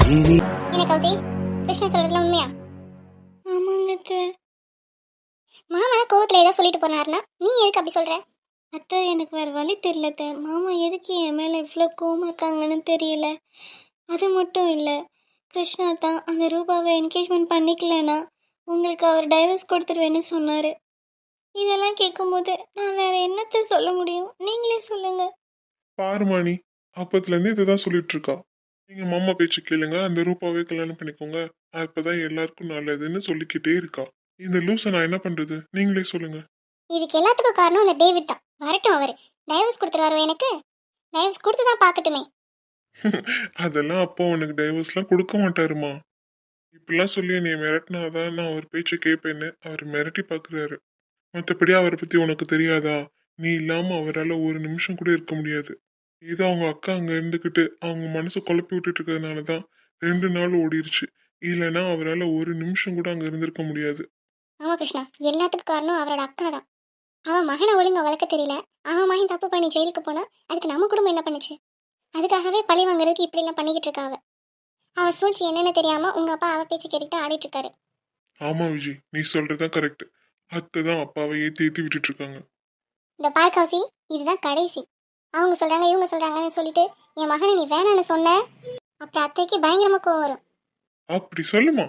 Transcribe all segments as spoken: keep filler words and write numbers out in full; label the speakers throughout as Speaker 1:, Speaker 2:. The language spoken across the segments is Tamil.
Speaker 1: இனி
Speaker 2: என்ன கௌசி, கிருஷ்ணன் சொல்றதுல உண்மையா?
Speaker 3: ஆமாங்க அத்தை.
Speaker 2: மாமா தான் கோவத்துல ஏதோ சொல்லிட்டு போனாருன்னா நீ எதுக்கு அப்படி சொல்ற?
Speaker 3: அத்தை எனக்கு வேறு வழி தெரியல அத்தை. மாமா எதுக்கு என் மேலே இவ்வளோ கோவமாக இருக்காங்கன்னு தெரியல. அது மட்டும் இல்லை, கிருஷ்ணா தான் அந்த ரூபாவை என்கேஜ்மெண்ட் பண்ணிக்கலனா உங்களுக்கு அவர் டைவர்ஸ் கொடுத்துருவேன்னு சொன்னார். இதெல்லாம் கேட்கும்போது நான் வேற என்னத்தை சொல்ல முடியும்? நீங்களே சொல்லுங்க.
Speaker 4: பாருமா நீ அப்பத்துலேருந்து இதை தான் சொல்லிட்டு இருக்கா. நீங்க மாமா பேச்சு கேளுங்க, அந்த ரூபாவே கல்யாணம் பண்ணிக்கோங்க, அப்பதான் எல்லாருக்கும் நல்லதுன்னு சொல்லிக்கிட்டே இருக்கா. இந்த லூஸை நான் என்ன பண்றது, நீங்களே சொல்லுங்க.
Speaker 2: இதுக்கு எல்லாத்துக்கும் காரணம் அந்த டேவிட் தான். வரட்டும், அவரு டைவர்ஸ் கொடுத்துருவாரு. எனக்கு டைவர்ஸ் கொடுத்து தான் பார்க்கட்டுமே.
Speaker 4: அதெல்லாம் அப்போ உனக்கு டைவர்ஸ்லாம் கொடுக்க மாட்டாருமா. இப்படிலாம் சொல்லி நீ மிரட்டினாதான் நான் அவர் பேச்சை கேட்பேன்னு அவர் மிரட்டி பார்க்குறாரு. மற்றபடி அவரை பற்றி உனக்கு தெரியாதா? நீ இல்லாமல் அவரால் ஒரு நிமிஷம் கூட இருக்க முடியாது. ஏதோ அவங்க அக்கா அங்கே இருந்துக்கிட்டு அவங்க மனசை குழப்பி விட்டுட்டு இருக்கிறதுனால தான் ரெண்டு நாள் ஓடிருச்சு. இல்லைன்னா அவரால் ஒரு நிமிஷம் கூட அங்கே இருந்திருக்க முடியாது.
Speaker 2: ஆமா கிருஷ்ணா, எல்லாத்துக்கும் காரணம் அவரோட அக்கா தான். அவன் மகனை ஒழுங்கா வளர்க்க தெரியல. அவன் மகன் தப்பு பண்ணி ஜெயிலுக்கு போனா அதுக்கு நம்ம குடும்பம் என்ன பண்ணுச்சு? அதுக்காகவே பழி வாங்குறதுக்கு இப்படி எல்லாம் பண்ணிக்கிட்டு இருக்கா அவ. அவ சூழ்ச்சி என்னன்னு தெரியாம உங்க அப்பா அவ பேச்சு கேட்டுக்கிட்டு ஆடிட்டு இருக்காரு.
Speaker 4: ஆமா விஜய், நீ சொல்றதுதான் கரெக்ட். அத்தை தான் அப்பாவை ஏற்றி ஏற்றி விட்டுட்டு இருக்காங்க.
Speaker 2: இந்த பார்க்காசி, இதுதான் கடைசி. அவங்க சொல்றாங்க இவங்க சொல்றாங்கன்னு சொல்லிட்டு என் மகனை நீ வேணான்னு சொன்ன, அப்புறம் அத்தைக்கு பயங்கரமா கோவம் வரும்.
Speaker 4: அப்படி சொல்லுமா.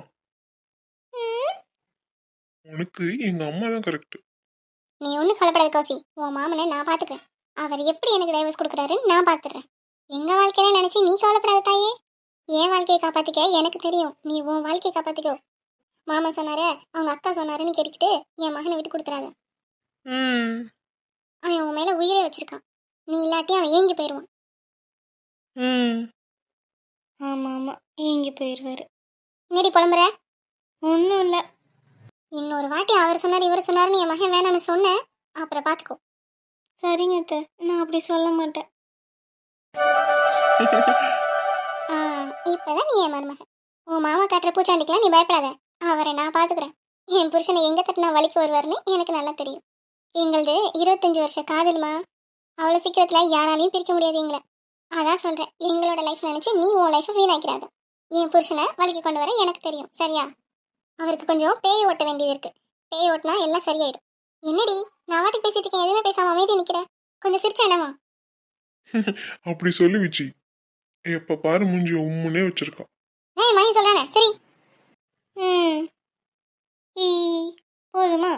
Speaker 4: உனக்கு எங்க அம்மா தான் கரெக்ட்.
Speaker 2: நீ ஒன்றும் கவலைப்படாத கௌசி, உன் மாமனை நான் பார்த்துக்கிறேன். அவர் எப்படி எனக்கு டைவர்ஸ் கொடுக்குறாருன்னு நான் பார்த்துடுறேன். எங்க வாழ்க்கையில நினைச்சு நீ கவலைப்படாத தாயே. என் வாழ்க்கையை காப்பாத்திக்க எனக்கு தெரியும், நீ உன் வாழ்க்கையை காப்பாத்திக்கோ. மாமா சொன்னாரு, அவங்க அக்கா சொன்னாருன்னு கேட்டுக்கிட்டு என் மகனை விட்டு கொடுத்துறாத. அவன் உன் மேல உயிரே வச்சிருக்கான். நீ இல்லாட்டி அவன் ஏங்கி போயிடுவான்.
Speaker 3: ஆமாம் ஆமாம், ஏங்கி போயிடுவார்.
Speaker 2: என்னடி புலம்புற?
Speaker 3: ஒன்றும் இல்லை.
Speaker 2: இன்னொரு வாட்டி அவர் சொன்னார் இவர் சொன்னாருன்னு என் மகன் வேணான்னு சொன்னேன், அப்புறம் பார்த்துக்கோ.
Speaker 3: சரிங்க அத்தை, நான் அப்படி சொல்ல மாட்டேன்.
Speaker 2: ஆ, இப்பதான் நீ என் மருமகன். உன் மாமா காட்டுற பூச்சாண்டிக்கெல்லாம் நீ பயப்படாத. அவரை நான் பார்த்துக்கிறேன். என் புருஷனை எங்க தட்டினா வலிக்கு வருவாருன்னு எனக்கு நல்லா தெரியும். எங்களது இருபத்தஞ்சு வருஷ காதல்மா. அவ்வளோ சீக்கிரத்துல யாராலையும் பிரிக்க முடியாது எங்களை. அதான் சொல்றேன், எங்களோட லைஃப் நினைச்சு நீ உன் லைஃபை வீணாக்கிறாத. என் புருஷனை வலிக்கு கொண்டு வர எனக்கு தெரியும், சரியா? அவருக்கு கொஞ்சம் பேய் ஓட்ட வேண்டியது இருக்கு. பேய் ஓட்டினா எல்லாம் சரியாயிடும். என்னடி நான் வாட்டி பேசிட்டு இருக்கேன், எதுவுமே பேசாம அமைதி நிக்கிறேன். கொஞ்சம் சிரிச்சா என்னமா?
Speaker 4: அப்படி சொல்லி விஜி, எப்ப பாரு மூஞ்சி உம்முனே வச்சிருக்கா.
Speaker 2: ஏய் மகி சொல்றானே சரி.
Speaker 3: ம் ஈ போதுமா?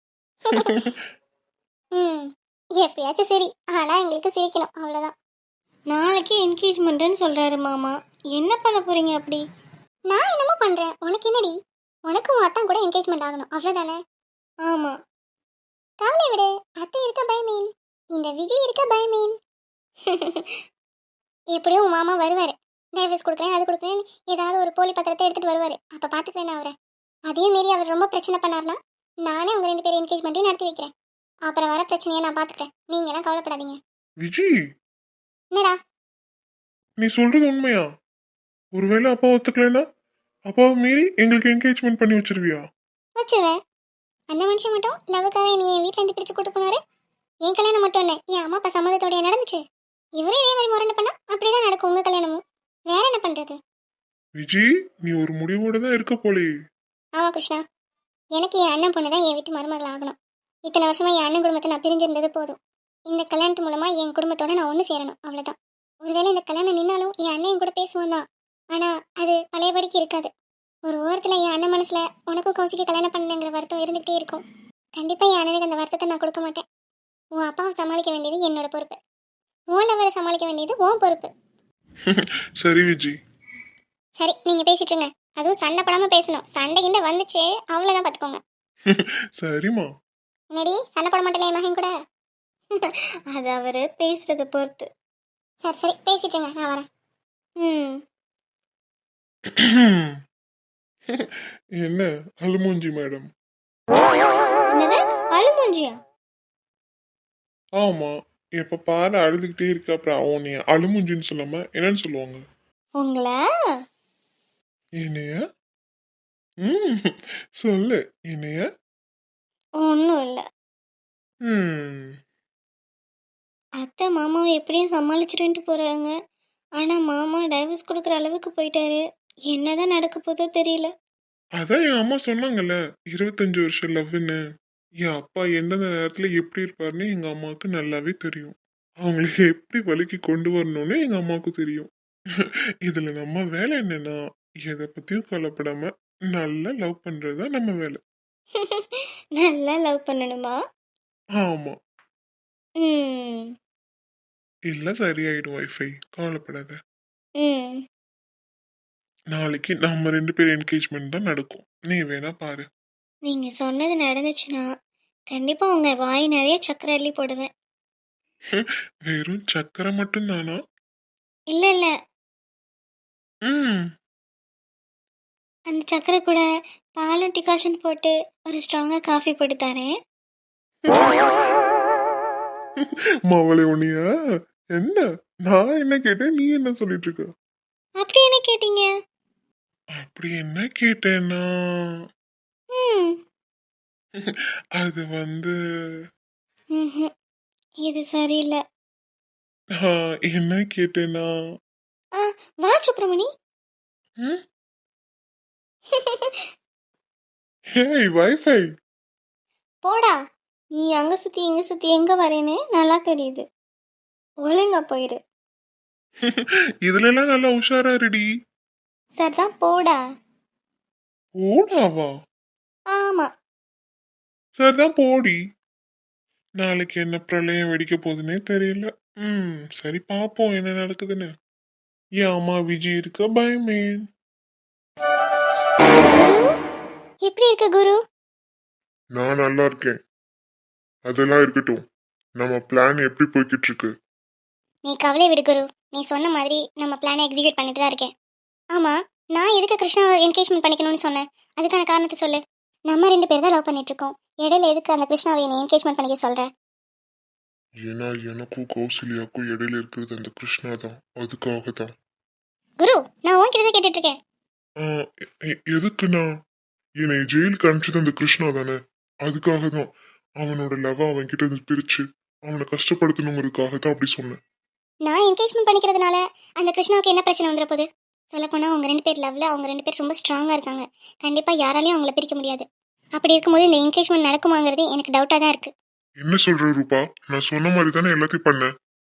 Speaker 2: ம் எப்படியாச்சும் சரி, ஆனா எங்களுக்கு சிரிக்கணும், அவ்வளோதான்.
Speaker 3: நாளைக்கு என்கேஜ்மெண்ட்டுன்னு சொல்கிறாரு மாமா. என்ன பண்ண போகிறீங்க அப்படி?
Speaker 2: நான் என்னமோ பண்றேன், உனக்கு என்னடி? உனக்கு உன் அத்தான் கூட என்கேஜ்மெண்ட் ஆகணும், அவ்வளோதானே?
Speaker 3: ஆமாம்.
Speaker 2: கவலை விடு, அத்தை இருக்க பயமீன், இந்த விஜய் இருக்க பயமீன். எப்படியும் உன் மாமா வருவாரு. டைவர்ஸ் கொடுக்குறேன் அது கொடுக்குறேன் ஏதாவது ஒரு போலி பத்திரத்தை எடுத்துட்டு வருவாரு. அப்ப பாத்துக்கிறேன் அவரை. அதே மாரி அவர் ரொம்ப பிரச்சனை பண்ணாருன்னா நானே உங்க ரெண்டு பேரும் என்கேஜ்மெண்ட்டையும் நடத்தி வைக்கிறேன். அப்புறம் வர பிரச்சனையை நான் பாத்துக்கிறேன். நீங்க எல்லாம் கவலைப்படாதீங்க.
Speaker 4: விஜி,
Speaker 2: என்னடா
Speaker 4: நீ சொல்றது உண்மையா? ஒருவேளை அப்பா ஒத்துக்கலைன்னா அப்பாவை மீறி எங்களுக்கு என்கேஜ்மெண்ட் பண்ணி வச்சிருவியா?
Speaker 2: வச்சிருவேன். அந்த மனுஷன் மட்டும் லவ்வுக்காக நீ என் வீட்டுல இருந்து பிரிச்சு கூட்டு போனாரு. என் கல்யாணம் மட்டும் என்ன, என் அம்மா அப்பா சம்மதத்தோடய நடந்துச்சு. இவரே இதே மாதிரி முரண்டு பண்ணா அப்படிதான் நடக்கும் உங்க கல்யாணமும். வேற என்ன பண்றது?
Speaker 4: விஜி, நீ ஒரு முடிவோட தான் இருக்க போலே.
Speaker 2: ஆமா கிருஷ்ணா, எனக்கு என் அண்ணன் பொண்ணு தான் என் வீட்டு மருமகள் ஆகணும். இத்தனை வருஷமா என் அண்ணன் குடும்பத்தை நான் பிரிஞ்சிருந்தது போதும். இந்த கல்யாணத்து மூலமா என் குடும்பத்தோட நான் ஒன்று சேரணும், அவ்வளவுதான். ஒருவேளை இந்த கல்யாணம் நின்னாலும் என் அண்ணன் என் கூட பேசுவான் தான். ஆனா அது பழையபடிக்கு இருக்காது. ஒரு ஓரத்துல என் அண்ணன் மனசுல உனக்கும் கௌசிக்கு கல்யாணம் பண்ணலங்கிற வருத்தம் இருந்துகிட்டே இருக்கும். கண்டிப்பா என் அண்ணனுக்கு அந்த வருத்தத்தை நான் கொடுக்க மாட்டேன். உன் அப்பாவை சமாளிக்க வேண்டியது என்னோட பொறுப்பு. உன் லவரை சமாளிக்க வேண்டியது உன் பொறுப்பு.
Speaker 4: சரி விஜி.
Speaker 2: சரி, நீங்க பேசிட்டு இருங்க. அதுவும் சண்டை படாம பேசணும். சண்டை கிண்ட வந்துச்சு அவ்வளவுதான், பாத்துக்கோங்க.
Speaker 4: சரிம்மா.
Speaker 2: என்னடி சண்டை போட மாட்டேன் என் மகன் கூட?
Speaker 3: அது அவர் பேசுகிறத பொறுத்து.
Speaker 2: சரி சரி பேசிட்டுங்க, நான் வரேன்.
Speaker 3: ம்
Speaker 4: என்ன அலுமூஞ்சி மேடம்?
Speaker 3: என்னது அழுமூஞ்சியா?
Speaker 4: ஆமா, எப்ப பாரு அழுதுகிட்டே இருக்க, அப்புறம் அவன் நீ அலுமூஞ்சின்னு சொல்லாம என்னன்னு சொல்லுவாங்க?
Speaker 3: உங்களை
Speaker 4: என்னைய? ம் சொல்லு, என்னைய?
Speaker 3: ஒன்றும் இல்லை.
Speaker 4: ம்
Speaker 3: அத்தை மாமாவை எப்படியும் சமாளிச்சுட்டு போகிறாங்க. ஆனால் மாமா டைவர்ஸ் கொடுக்குற அளவுக்கு போயிட்டாரு. என்னதான் நடக்க போதோ தெரியல.
Speaker 4: அதான் என் அம்மா சொன்னாங்கல்ல, இருபத்தஞ்சு வருஷம் லவ்வுன்னு. என் அப்பா எந்தெந்த நேரத்துல எப்படி இருப்பாருன்னு எங்க அம்மாவுக்கு நல்லாவே தெரியும். அவங்களுக்கு எப்படி வழிக்கு கொண்டு வரணும்னு எங்க அம்மாவுக்கு தெரியும். இதுல நம்ம வேலை என்னன்னா, எதை பத்தியும் கவலைப்படாம நல்லா லவ் பண்றதுதான் நம்ம வேலை.
Speaker 3: நல்லா லவ் பண்ணணுமா?
Speaker 4: ஆமா.
Speaker 3: ம்.
Speaker 4: இல்ல சரியாயிடும் வைஃபை. கவலைப்படாத.
Speaker 3: ம்.
Speaker 4: நாளைக்கு நம்ம ரெண்டு பேர் என்கேஜ்மெண்ட் தான் நடக்கும். நீ வேணா பாரு.
Speaker 3: நீங்க சொன்னது நடந்துச்சுன்னா கண்டிப்பா உங்க வாய் நிறைய சக்கரை அள்ளி போடுவேன்.
Speaker 4: வெறும் சக்கரை மட்டும் தானா?
Speaker 3: இல்ல இல்ல,
Speaker 4: ம்.
Speaker 3: அந்த சக்கரை கூட பாலும் டிகாஷன் போட்டு ஒரு ஸ்ட்ராங்கா காஃபி போட்டு தரேன்.
Speaker 4: மவளே உன்னையா? என்ன? நான் என்ன கேட்டேன், நீ என்ன சொல்லிட்டு இருக்க?
Speaker 3: அப்படி என்ன கேட்டீங்க?
Speaker 4: அப்படி என்ன கேட்டேன்னா,
Speaker 3: ம்.
Speaker 4: அது வந்து
Speaker 3: ம்ஹும். இது சரியில்லை.
Speaker 4: நான் என்ன கேட்டேன்னா,
Speaker 3: ஆ, வா சுப்பிரமணி.
Speaker 4: ம்? Hey wifi.
Speaker 3: போடா. நீ அங்க சுத்தி இங்க சுத்தி எங்க வரேன்னு நல்லா தெரியுது. ஒழுங்கா போயிரு.
Speaker 4: இதுல எல்லாம் நல்லா உஷாரா இருடி.
Speaker 3: சரிதான், போடா.
Speaker 4: ஓடாவா?
Speaker 3: ஆமா.
Speaker 4: சரிதான் போடி. நாளைக்கு என்ன பிரளயம் வெடிக்க போகுதுன்னே தெரியல. ம் சரி பாப்போம் என்ன நடக்குதுன்னு. என் அம்மா விஜய் இருக்க பயமே.
Speaker 2: எப்படி இருக்க குரு?
Speaker 4: நான் நல்லா இருக்கேன். அதெல்லாம் இருக்கட்டும். நம்ம பிளான் எப்படி போய்கிட்டு இருக்கு?
Speaker 2: நீ கவலை விடு குரு. நீ சொன்ன மாதிரி நம்ம பிளானை எக்ஸிக்யூட் பண்ணிட்டு தான் இருக்கேன். ஆமா, நான் எதுக்கு கிருஷ்ணாவை என்கேஜ்மெண்ட் பண்ணிக்கணும்னு சொன்னேன்? அதுக்கான காரணத்தை சொல்லு. நம்ம ரெண்டு பேர் தான் லவ் பண்ணிட்டு இருக்கோம். இடையில எதுக்கு அந்த கிருஷ்ணாவை நீ என்கேஜ்மெண்ட் பண்ணிக்க சொல்ற?
Speaker 4: ஏன்னா எனக்கும் கௌசல்யாவுக்கும் இடையில இருக்கிறது அந்த கிருஷ்ணா தான். அதுக்காக தான்.
Speaker 2: குரு, நான் உன்கிட்ட தான் கேட்டுட்டு இருக்கேன்.
Speaker 4: எதுக்குண்ணா? என்னை ஜெயிலுக்கு அனுப்பிச்சது அந்த கிருஷ்ணா தானே. அதுக்காக தான். அவனோட லவ் அவன் கிட்ட இருந்து பிரிச்சு அவனை கஷ்டப்படுத்தணுங்கிறதுக்காக தான் அப்படி சொன்னேன்.
Speaker 2: நான் என்கேஜ்மெண்ட் பண்ணிக்கிறதுனால அந்த கிருஷ்ணாவுக்கு என்ன பிரச்சனை வந்துட போகுது? சொல்லப்போனால் அவங்க ரெண்டு பேர் லவ்ல அவங்க ரெண்டு பேர் ரொம்ப ஸ்ட்ராங்காக இருக்காங்க. கண்டிப்பாக யாராலையும் அவங்கள பிரிக்க முடியாது. அப்படி இருக்கும்போது இந்த என்கேஜ்மெண்ட் நடக்குமாங்கிறது எனக்கு டவுட்டாக தான் இருக்குது.
Speaker 4: என்ன சொல்ற ரூபா? நான் சொன்ன மாதிரி தானே எல்லாத்தையும் பண்ணேன்.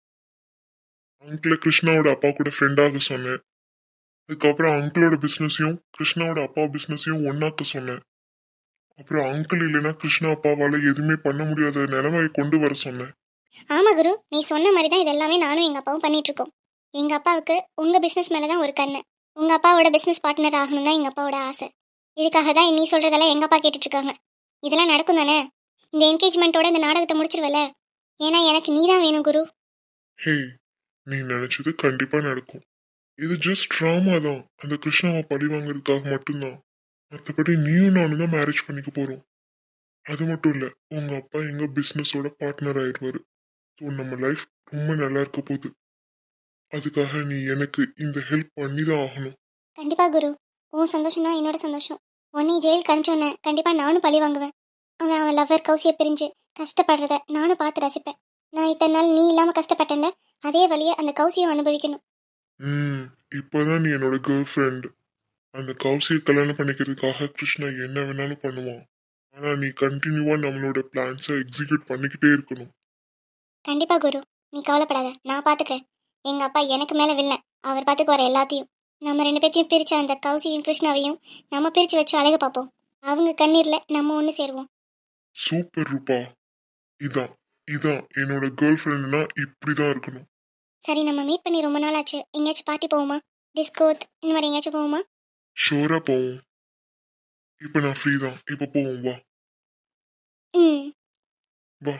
Speaker 4: அங்கிள கிருஷ்ணாவோட அப்பா கூட ஃப்ரெண்டாக சொன்னேன். அதுக்கப்புறம் அங்கிளோட பிஸ்னஸையும் கிருஷ்ணாவோட அப்பா பிஸ்னஸையும் ஒன்னாக்க சொன்னேன். அப்புறம் அங்கிள் இல்லைன்னா கிருஷ்ணா அப்பாவால எதுவுமே பண்ண முடியாத நிலைமையை கொண்டு வர சொன்னேன்.
Speaker 2: ஆமாம் குரு, நீ சொன்ன மாதிரி தான் இதெல்லாமே நானும் எங்கள் அப்பாவும் பண்ணிட்டு இருக்கோம். எங்கள் அப்பாவுக்கு உங்கள் பிஸ்னஸ் மேலே தான் ஒரு கண்ணு. உங்கள் அப்பாவோட பிஸ்னஸ் பார்ட்னர் ஆகணும் தான் எங்கள் அப்பாவோட ஆசை. இதுக்காக தான் நீ சொல்கிறதெல்லாம் எங்கள் அப்பா கேட்டுட்ருக்காங்க. இதெல்லாம் நடக்கும் தானே? இந்த என்கேஜ்மெண்ட்டோட இந்த நாடகத்தை முடிச்சிருவல? ஏன்னா எனக்கு நீ தான் வேணும் குரு.
Speaker 4: ஹே, நீ நினைச்சது கண்டிப்பா நடக்கும். இது ஜஸ்ட் ட்ராமா தான். அந்த கிருஷ்ணாவை பழி வாங்குறதுக்காக மட்டும்தான். மற்றபடி நீயும் நானும் தான் மேரேஜ் பண்ணிக்க போறோம். அது மட்டும் இல்ல, உங்க அப்பா எங்க பிசினஸோட பார்ட்னர் ஆயிடுவாரு. ஸோ நம்ம லைஃப் ரொம்ப நல்லா இருக்க போகுது. அதுக்காக நீ எனக்கு இந்த ஹெல்ப் பண்ணி தான் ஆகணும்.
Speaker 2: கண்டிப்பாக குரு, உன் சந்தோஷம் தான் என்னோட சந்தோஷம். உன்னை ஜெயிலுக்கு அனுப்பிச்சோன்னே கண்டிப்பாக நானும் பழி வாங்குவேன். அவன் அவன் லவ்வர் கௌசியை பிரிஞ்சு கஷ்டப்படுறத நானும் பார்த்து ரசிப்பேன். நான் இத்தனை நாள் நீ இல்லாமல் கஷ்டப்பட்டேன்ல, அதே வழியை அந்த கௌசியும் அனுபவிக்கணும்.
Speaker 4: ம் இப்போதான் நீ என்னோட கேர்ள் ஃப்ரெண்ட். அந்த கௌசியை கல்யாணம் பண்ணிக்கிறதுக்காக கிருஷ்ணா என்ன வேணாலும் பண்ணுவான். ஆனா நீ கண்டினியூவா நம்மளோட பிளான்ஸை எக்ஸிக்யூட் பண்ணிக்கிட்டே இருக்கணும்.
Speaker 2: கண்டிப்பாக குரு, நீ கவலைப்படாத, நான் பார்த்துக்கிறேன். எங்கள் அப்பா எனக்கு மேலே வில்ல, அவர் பார்த்துக்கு வர எல்லாத்தையும். நம்ம ரெண்டு பேர்த்தையும் பிரித்த அந்த கௌசியும் கிருஷ்ணாவையும் நம்ம பிரித்து வச்சு அழகு பார்ப்போம். அவங்க கண்ணீரில் நம்ம ஒன்று சேருவோம்.
Speaker 4: சூப்பர் ரூபா. இதான் இதான் என்னோட கேர்ள் ஃப்ரெண்ட்னா இப்படிதான் இருக்கணும்.
Speaker 2: சரி, நம்ம மீட் பண்ணி ரொம்ப நாள் ஆச்சு. எங்கேயாச்சும் பார்ட்டி போவோமா? டிஸ்கோத் இந்த மாதிரி எங்கேயாச்சும் போவோமா?
Speaker 4: ஷோரா போவோம். இப்போ நான் ஃப்ரீ தான். இப்போ போவோம் வா.
Speaker 2: ம்.
Speaker 4: வா.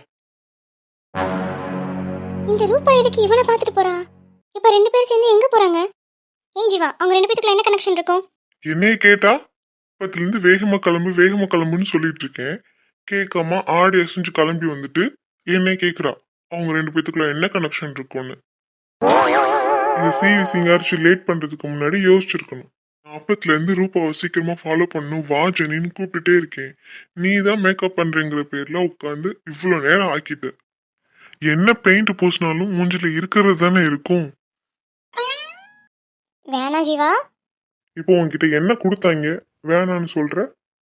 Speaker 2: இந்த ரூபா எதுக்கு இவனை பார்த்துட்டு போறா? இப்போ ரெண்டு பேரும் சேர்ந்து எங்கே போகிறாங்க? ஏன் ஜீவா, அவங்க ரெண்டு பேத்துக்குள்ள என்ன கனெக்ஷன் இருக்கும்?
Speaker 4: என்னைய கேட்டா பத்துல இருந்து வேகமா கிளம்பு வேகமா கிளம்புன்னு சொல்லிட்டு இருக்கேன். கேட்காம ஆடி அசைஞ்சு கிளம்பி வந்துட்டு என்னை கேக்குறா அவங்க ரெண்டு பேத்துக்குள்ள என்ன கனெக்ஷன் இருக்கும்னு. இந்த சிவி சிங்காரிச்சு லேட் பண்றதுக்கு முன்னாடி யோசிச்சிருக்கணும். அப்பத்துல இருந்து ரூபாவை சீக்கிரமா ஃபாலோ பண்ணணும் வா ஜெனின்னு கூப்பிட்டுட்டே இருக்கேன். நீ தான் மேக்கப் பண்றேங்கிற பேர்ல உட்காந்து இவ்வளவு நேரம் ஆக்கிட்ட. என்ன பெயிண்ட் பூசினாலும் மூஞ்சில இருக்கிறது தானே இருக்கும்.
Speaker 2: வேணா ஜீவா.
Speaker 4: இப்போ உன்கிட்ட என்ன கொடுத்தாங்க வேணான்னு சொல்ற?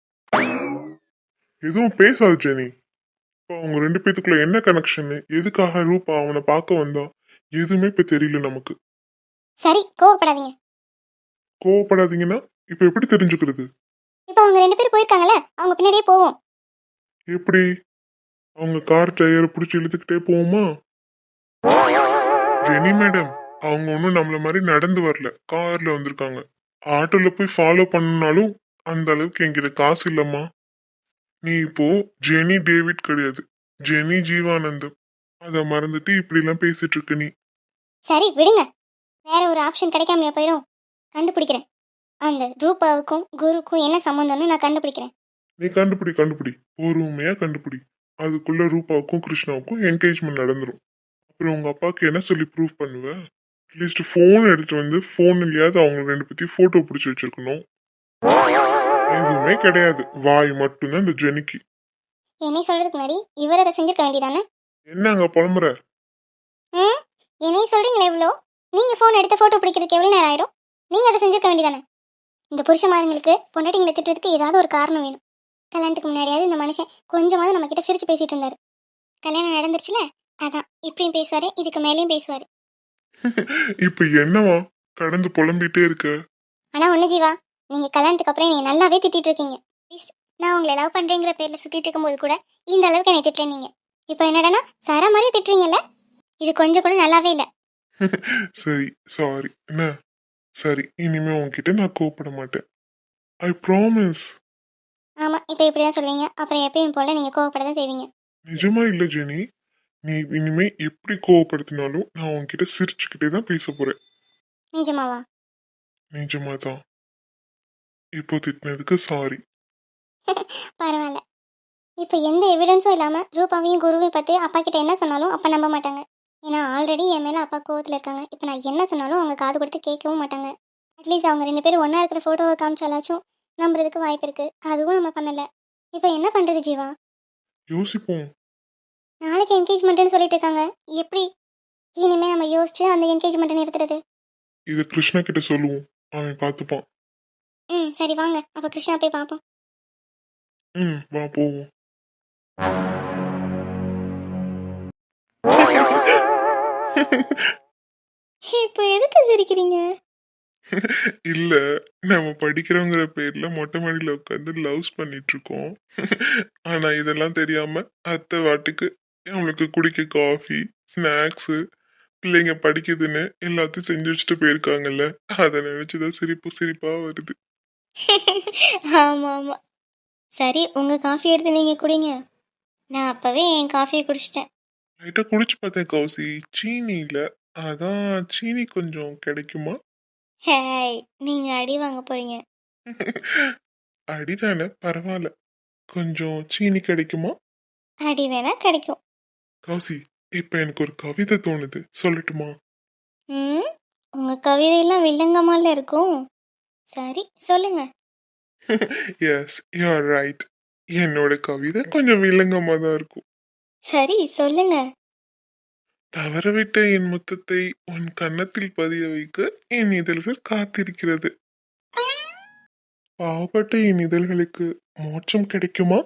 Speaker 4: எதுவும் பேசாது ஜெனி. இப்போ அவங்க ரெண்டு பேத்துக்குள்ள என்ன கனெக்ஷன், எதுக்காக ரூபா அவனை பார்க்க வந்தா, எதுவுமே இப்ப தெரியல நமக்கு.
Speaker 2: சரி கோவப்படாதீங்க.
Speaker 4: கோவப்படாதீங்கன்னா இப்ப எப்படி தெரிஞ்சுக்கிறது?
Speaker 2: இப்போ அவங்க ரெண்டு பேரும் போயிருக்காங்கல்ல, அவங்க பின்னாடியே போவோம்.
Speaker 4: எப்படி? அவங்க கார் டயரை பிடிச்சி இழுத்துக்கிட்டே போவோமா? ஜெனி மேடம், அவங்க ஒன்றும் நம்மள மாதிரி நடந்து வரல, கார்ல வந்திருக்காங்க. ஆட்டோல போய் ஃபாலோ பண்ணனாலும் அந்த அளவுக்கு என்கிட்ட காசு இல்லம்மா. நீ இப்போ ஜெனி டேவிட் கிடையாது, ஜெனி ஜீவானந்தம். அதை மறந்துட்டு இப்படி எல்லாம் பேசிட்டு இருக்க நீ.
Speaker 2: சரி விடுங்க, வேற ஒரு ஆப்ஷன் கிடைக்காமையா போயிடும். கண்டுபிடிக்கிறேன். அந்த ரூபாவுக்கும் குருக்கும் என்ன சம்மந்தம்னு நான் கண்டுபிடிக்கிறேன்.
Speaker 4: நீ கண்டுபிடி கண்டுபிடி பொறுமையா கண்டுபிடி. அதுக்குள்ள ரூபாவுக்கும் கிருஷ்ணாவுக்கும் என்கேஜ்மெண்ட் நடந்துரும். அப்புறம் உங்க அப்பாவுக்கு என்ன சொல்லி ப்ரூவ் பண்ணுவ? அட்லீஸ்ட் ஃபோன் எடுத்து வந்து ஃபோன் இல்லையாவது அவங்க ரெண்டு பத்தி போட்டோ பிடிச்சி வச்சிருக்கணும். எதுவுமே கிடையாது, வாய் மட்டும்தான் இந்த ஜெனிக்கு.
Speaker 2: என்னை சொல்றதுக்கு முன்னாடி இவர் அதை செஞ்சிருக்க வேண்டியதானே?
Speaker 4: என்ன அங்க புலம்புற?
Speaker 2: ம் என்னை சொல்றீங்களே எவ்வளோ, நீங்க ஃபோன் எடுத்து ஃபோட்டோ பிடிக்கிறதுக்கு எவ்வளோ நேரம் ஆயிரும்? நீங்க அதை செஞ்சிருக்க வேண்டியதானே? இந்த புருஷமாரங்களுக்கு பொண்டாட்டிங்களை திட்டுறதுக்கு ஏதாவது ஒரு காரணம் வேணும். கல்யாணத்துக்கு முன்னாடியாவது இந்த மனுஷன் கொஞ்சமாவது நம்ம கிட்ட சிரிச்சு பேசிட்டு இருந்தாரு. கல்யாணம் நடந்துருச்சுல, அதான் இப்படியும் பேசுவாரு, இதுக்கு மேலேயும் பேசுவாரு.
Speaker 4: இப்ப என்னவா கடந்து புலம்பிட்டே இருக்க?
Speaker 2: ஆனா ஒண்ணு ஜீவா, நீங்க கல்யாணத்துக்கு அப்புறம் என்னை நல்லாவே திட்டிட்டு இருக்கீங்க. ப்ளீஸ், நான் உங்களை லவ் பண்றேங்கிற பேர்ல சுத்திட்டு இருக்கும்போது கூட இந்த அளவுக்கு என்னை திட்டல நீங்க. இப்போ என்னடனா சர மாதிரி திட்டுறீங்கல்ல, இது கொஞ்சம் கூட நல்லாவே இல்லை.
Speaker 4: சரி சாரி. என்ன சரி, இனிமே உன்கிட்ட நான் கோவப்பட மாட்டேன். I promise.
Speaker 2: ஆமா, இப்போ இப்படிதான் சொல்வீங்க, அப்புறம் எப்பயும் போல நீங்க கோவப்பட தான் செய்வீங்க.
Speaker 4: நிஜமா இல்ல ஜெனி, நீ இனிமே எப்படி கோவப்படுத்தினாலும் நான் உன்கிட்ட சிரிச்சுக்கிட்டே தான் பேச போறேன்.
Speaker 2: நிஜமாவா?
Speaker 4: நிஜமா தான். இப்போ திட்டினதுக்கு சாரி.
Speaker 2: பரவாயில்ல. இப்போ எந்த எவிடன்ஸும் இல்லாம ரூபாவையும் குருவையும் பத்தி அப்பா கிட்ட என்ன சொன்னாலும் அப்பா நம்ப மாட்டாங்க. ஏன்னா ஆல்ரெடி என் மேல அப்பா கோவத்துல இருக்காங்க. இப்போ நான் என்ன சொன்னாலும் அவங்க காது கொடுத்து கேட்கவும் மாட்டாங்க. அட்லீஸ்ட் அவங்க ரெண்டு பேரும் ஒண்ணா இருக்கிற போட்டோவை காமிச்சாலாச்சும் நம்புறதுக்கு வாய்ப்பு இருக்கு. அதுவும் நம்ம பண்ணல. இப்போ என்ன பண்றது ஜீவா?
Speaker 4: யோசிப்போம்.
Speaker 2: நாளைக்கு என்கேஜ்மெண்ட்னு சொல்லிட்டு இருக்காங்க. எப்படி இனிமே நம்ம யோசிச்சு அந்த என்கேஜ்மெண்ட்டை நிறுத்துறது?
Speaker 4: இதை கிருஷ்ணா கிட்ட சொல்லுவோம், அவன் பார்த்துப்பான்.
Speaker 2: ம் சரி வாங்க, அப்போ கிருஷ்ணா போய் பார்ப்போம்.
Speaker 4: ம் வா போவோம்.
Speaker 3: இப்போ எதுக்கு சிரிக்கிறீங்க?
Speaker 4: இல்ல, நம்ம படிக்கிறோங்கிற பேர்ல மொட்டை மாடியில உட்காந்து லவ்ஸ் பண்ணிட்டு இருக்கோம். ஆனா இதெல்லாம் தெரியாம அத்தை வாட்டுக்கு அவங்களுக்கு குடிக்க காஃபி, ஸ்நாக்ஸ், பிள்ளைங்க படிக்குதுன்னு எல்லாத்தையும் செஞ்சு வச்சுட்டு போயிருக்காங்கல்ல, அதை நினைச்சுதான் சிரிப்பு சிரிப்பா வருது.
Speaker 3: ஆமாம் ஆமாம். சரி, உங்கள் காஃபி எடுத்து நீங்கள் குடிங்க. நான் அப்போவே என் காஃபியை குடிச்சிட்டேன்.
Speaker 4: லைட்டா குடிச்சு பார்த்தேன் கௌசி, சீனி இல்ல. அதான் சீனி கொஞ்சம் கிடைக்குமா?
Speaker 3: ஹேய், நீங்கள் அடி வாங்க போகிறீங்க.
Speaker 4: அடிதானே, பரவாயில்ல. கொஞ்சம் சீனி கிடைக்குமா?
Speaker 3: அடி வேணா கிடைக்கும்.
Speaker 4: கௌசி, இப்ப எனக்கு ஒரு கவிதை தோணுது, சொல்லட்டுமா?
Speaker 3: ம் உங்கள் கவிதையெல்லாம் வில்லங்கமால இருக்கும். சரி சொல்லுங்க.
Speaker 4: Yes, you are right. என்னோட கவிதை கொஞ்சம் வில்லங்கமா தான் இருக்கும்.
Speaker 3: சரி சொல்லுங்க.
Speaker 4: தவறவிட்ட என் முத்தத்தை உன் கன்னத்தில் பதிய வைக்க என் இதழ்கள் காத்திருக்கிறது. பாவப்பட்ட என் இதழ்களுக்கு மோட்சம் கிடைக்குமா?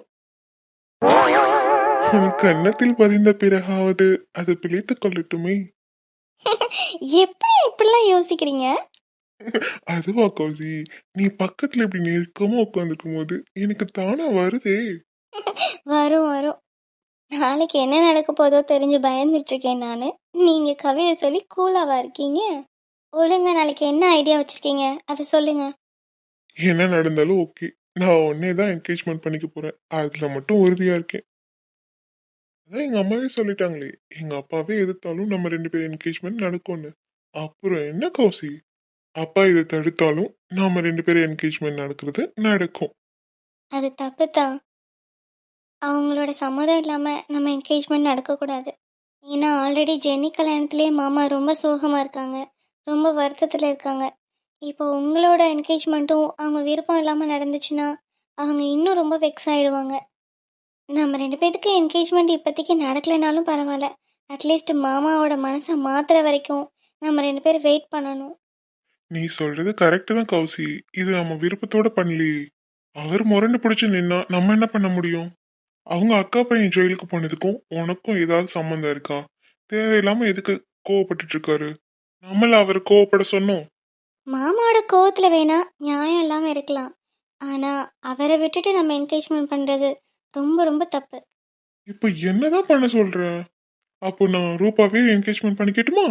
Speaker 4: உன் கன்னத்தில் பதிந்த பிறகாவது அது பிழைத்துக் கொள்ளட்டுமே.
Speaker 3: எப்படி இப்படிலாம் யோசிக்கிறீங்க?
Speaker 4: அதுவா கௌசி, நீ பக்கத்துல இப்படி நெருக்கமா உட்காந்துருக்கும் போது எனக்கு தானா வருதே.
Speaker 3: வரும் வரும். நாளைக்கு என்ன நடக்க போதோ தெரிஞ்சு பயந்துட்டு இருக்கேன் நான். நீங்கள் கவிதை சொல்லி கூலாவா இருக்கீங்க? ஒழுங்கா நாளைக்கு என்ன ஐடியா வச்சுருக்கீங்க அதை சொல்லுங்க.
Speaker 4: என்ன நடந்தாலும் ஓகே, நான் உன்னே தான் என்கேஜ்மெண்ட் பண்ணிக்க போறேன், அதுல மட்டும் உறுதியா இருக்கேன். அதான் எங்க அம்மாவே சொல்லிட்டாங்களே, எங்க அப்பாவே எதிர்த்தாலும் நம்ம ரெண்டு பேரும் என்கேஜ்மெண்ட் நடக்கும்னு. அப்புறம் என்ன கௌசி, அப்பா இதை தடுத்தாலும் நாம ரெண்டு பேரும் என்கேஜ்மெண்ட் நடக்கிறது நடக்கும்.
Speaker 3: அது தப்பு தான். அவங்களோட சம்மதம் இல்லாமல் நம்ம என்கேஜ்மெண்ட் நடக்கக்கூடாது. ஏன்னா ஆல்ரெடி ஜென்னி கல்யாணத்துலேயே மாமா ரொம்ப சோகமாக இருக்காங்க, ரொம்ப வருத்தத்தில் இருக்காங்க. இப்போ உங்களோட என்கேஜ்மெண்ட்டும் அவங்க விருப்பம் இல்லாமல் நடந்துச்சுன்னா அவங்க இன்னும் ரொம்ப வெக்ஸ் ஆகிடுவாங்க. நம்ம ரெண்டு பேத்துக்கு என்கேஜ்மெண்ட் இப்போதைக்கு நடக்கலைனாலும் பரவாயில்ல, அட்லீஸ்ட் மாமாவோட மனசை மாற்றுற வரைக்கும் நம்ம ரெண்டு பேரும் வெயிட் பண்ணணும்.
Speaker 4: நீ சொல்றது கரெக்ட் தான் கௌசி. இது நம்ம விருப்பத்தோட பண்ணலையே. அவர் முரண்டு பிடிச்சு நின்னா நம்ம என்ன பண்ண முடியும்? அவங்க அக்கா பையன் ஜெயிலுக்கு போனதுக்கும் உனக்கும் ஏதாவது சம்மந்தம் இருக்கா? தேவையில்லாம எதுக்கு கோவப்பட்டுட்டு இருக்காரு? நம்மள அவர் கோவப்பட சொன்னோம்.
Speaker 3: மாமாவோட கோவத்தில் வேணா நியாயம் இல்லாமல் இருக்கலாம், ஆனால் அவரை விட்டுட்டு நம்ம என்கேஜ்மெண்ட் பண்ணுறது ரொம்ப ரொம்ப தப்பு.
Speaker 4: இப்ப என்னதான் பண்ண சொல்ற? அப்போ நான் ரூபாவே என்கேஜ்மெண்ட் பண்ணிக்கட்டுமா?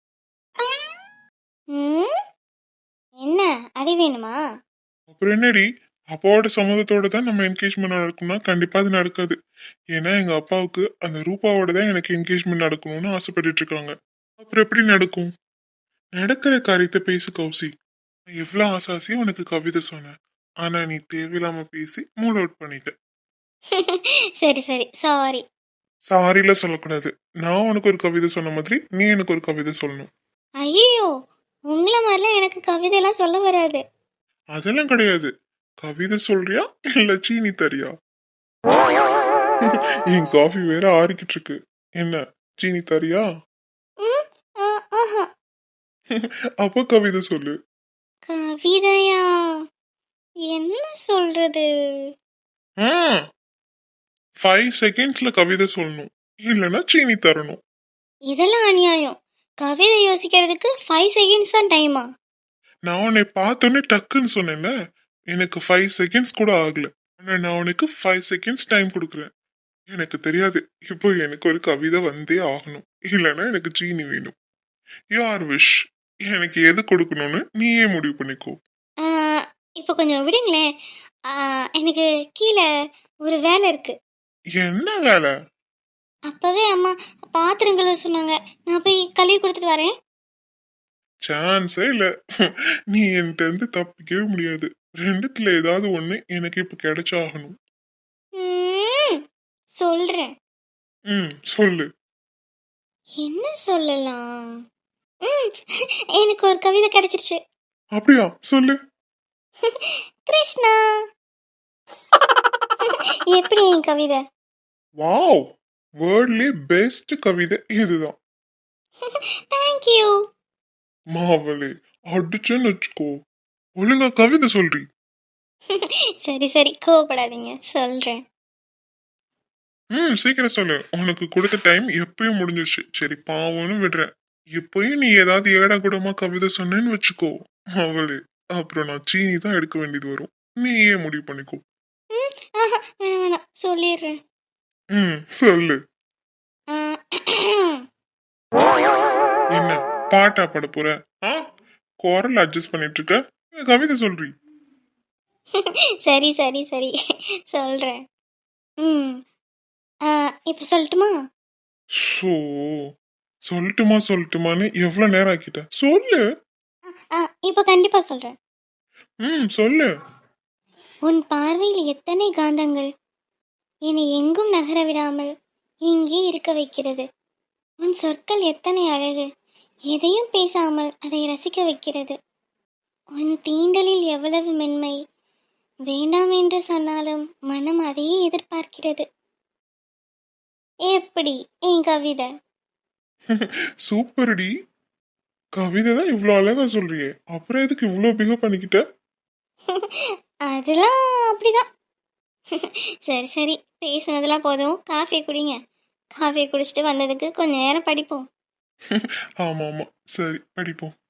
Speaker 3: ம் என்ன அடி வேணுமா?
Speaker 4: அப்புறம் என்னடி? அப்பாவோட சம்மதத்தோட தான் நம்ம என்கேஜ்மெண்ட் நடக்கும்னா கண்டிப்பா அது நடக்காது. ஏன்னா எங்க அப்பாவுக்கு அந்த ரூபாவோட தான் எனக்கு என்கேஜ்மெண்ட் நடக்கணும்னு ஆசைப்பட்டுட்டு இருக்காங்க. அப்புறம் எப்படி நடக்கும்? நடக்கிற காரியத்தை பேசு கௌசி. நான் எவ்வளவு ஆசாசியா உனக்கு கவிதை சொன்னேன். ஆனா நீ தேவையில்லாம பேசி மூட் அவுட் பண்ணிட்ட.
Speaker 3: சரி சரி சாரி.
Speaker 4: சாரில சொல்லக்கூடாது. நான் உனக்கு ஒரு கவிதை சொன்ன மாதிரி நீ எனக்கு ஒரு கவிதை சொல்லணும்.
Speaker 3: ஐயோ, உங்களை மாதிரிலாம் எனக்கு கவிதையெல்லாம் சொல்ல வராது.
Speaker 4: அதெல்லாம் கிடையாது. கவிதை சொல்றியா இல்ல சீனி தரியா? என் காஃபி வேற ஆறிக்கிட்டு இருக்கு. என்ன சீனி தரியா?
Speaker 3: ம் ஆ, ஆஹா.
Speaker 4: அப்ப கவிதை சொல்லு.
Speaker 3: கவிதையா? என்ன சொல்றது?
Speaker 4: ஃபைவ் செகண்ட்ஸ்ல கவிதை சொல்லணும். இல்லைன்னா சீனி தரணும்.
Speaker 3: இதெல்லாம் அநியாயம். கவிதை யோசிக்கிறதுக்கு ஃபைவ் செகண்ட்ஸ் தான் டைமா?
Speaker 4: நான் உன்னை பார்த்தோன்னே டக்குன்னு சொன்னேன்ல. எனக்கு ஃபைவ் செகண்ட்ஸ் கூட ஆகல. ஆனா நான் உனக்கு ஃபைவ் செகண்ட்ஸ் டைம் கொடுக்குறேன். எனக்கு தெரியாது. இப்போ எனக்கு ஒரு கவிதை வந்தே ஆகணும். இல்லைன்னா எனக்கு சீனி வேணும். யார் விஷ். எனக்கு எது கொடுக்கணும்னு நீயே முடிவு பண்ணிக்கோ.
Speaker 3: ஆ, இப்போ கொஞ்சம் விடுங்களேன். ஆ, எனக்கு கீழே ஒரு வேலை இருக்கு.
Speaker 4: என்ன வேலை?
Speaker 3: அப்பவே அம்மா பாத்திரம் கழுவ சொன்னாங்க. நான் போய் கழுவி கொடுத்துட்டு வரேன்.
Speaker 4: சான்ஸே இல்ல. நீ என்கிட்ட இருந்து தப்பிக்கவே முடியாது. ரெண்டுத்துல ஏதாவது ஒண்ணு எனக்கு இப்ப கிடைச்சாகணும்.
Speaker 3: ம், சொல்றேன்.
Speaker 4: ம் சொல்லு.
Speaker 3: என்ன சொல்லலாம்? ம், எனக்கு ஒரு கவிதை கிடைச்சிருச்சு.
Speaker 4: அப்படியா? சொல்லு.
Speaker 3: கிருஷ்ணா. எப்படி என் கவிதை?
Speaker 4: வாவ், வேர்ல்ட்லயே பெஸ்ட் கவிதை இதுதான்.
Speaker 3: தேங்க்யூ.
Speaker 4: மாவளே, அடிச்சேன்னு வச்சுக்கோ. ஒழுங்கா கவிதை சொல்றி.
Speaker 3: சரி சரி கோவப்படாதீங்க, சொல்றேன்.
Speaker 4: ம் சீக்கிரம் சொல்லு. உனக்கு கொடுத்த டைம் எப்பயும் முடிஞ்சிருச்சு. சரி பாவம்னு விடுறேன். எப்பயும் நீ ஏதாவது ஏடா கூடமா கவிதை சொன்னேன்னு வச்சுக்கோ அவளே, அப்புறம் நான் சீனி தான் எடுக்க வேண்டியது வரும். நீயே முடிவு பண்ணிக்கோ.
Speaker 3: ம், ஆஹா, வேணாம் வேணாம், சொல்லிடுறேன்.
Speaker 4: ம் சொல்லு.
Speaker 3: ஆ,
Speaker 4: என்ன பாட்டா பாட போற? ஆ, குரல் அட்ஜஸ்ட் பண்ணிட்டு இருக்க. இல்ல கவிதை சொல்றி.
Speaker 3: சரி சரி சரி சொல்றேன். ம் ஆ, இப்போ சொல்லட்டுமா?
Speaker 4: ஷோ, சொல்லட்டுமா சொல்லட்டுமான்னு எவ்வளவு நேரம் ஆக்கிட்ட. சொல்லு.
Speaker 3: ஆ, இப்போ கண்டிப்பா சொல்றேன்.
Speaker 4: ம் சொல்லு.
Speaker 3: உன் பார்வையில் எத்தனை காந்தங்கள் என்னை எங்கும் நகர விடாமல் இங்கே இருக்க வைக்கிறது. உன் சொற்கள் எத்தனை அழகு, எதையும் பேசாமல் அதை ரசிக்க வைக்கிறது. உன் தீண்டலில் எவ்வளவு மென்மை, வேண்டாம் என்று சொன்னாலும் மனம் அதையே எதிர்பார்க்கிறது. எப்படி என் கவிதை?
Speaker 4: சூப்பர்டி. கவிதை தான் இவ்வளவு அழகா சொல்றியே, அப்புறம் எதுக்கு இவ்வளவு பிகப் பண்ணிக்கிட்ட?
Speaker 3: அதெல்லாம் அப்படிதான். சரி சரி, பேசுனதெல்லாம் போதும், காஃபி குடிங்க. காஃபி குடிச்சிட்டு வந்ததுக்கு கொஞ்ச நேரம் படிப்போம்.
Speaker 4: ஆமா ஆமா, சரி படிப்போம்.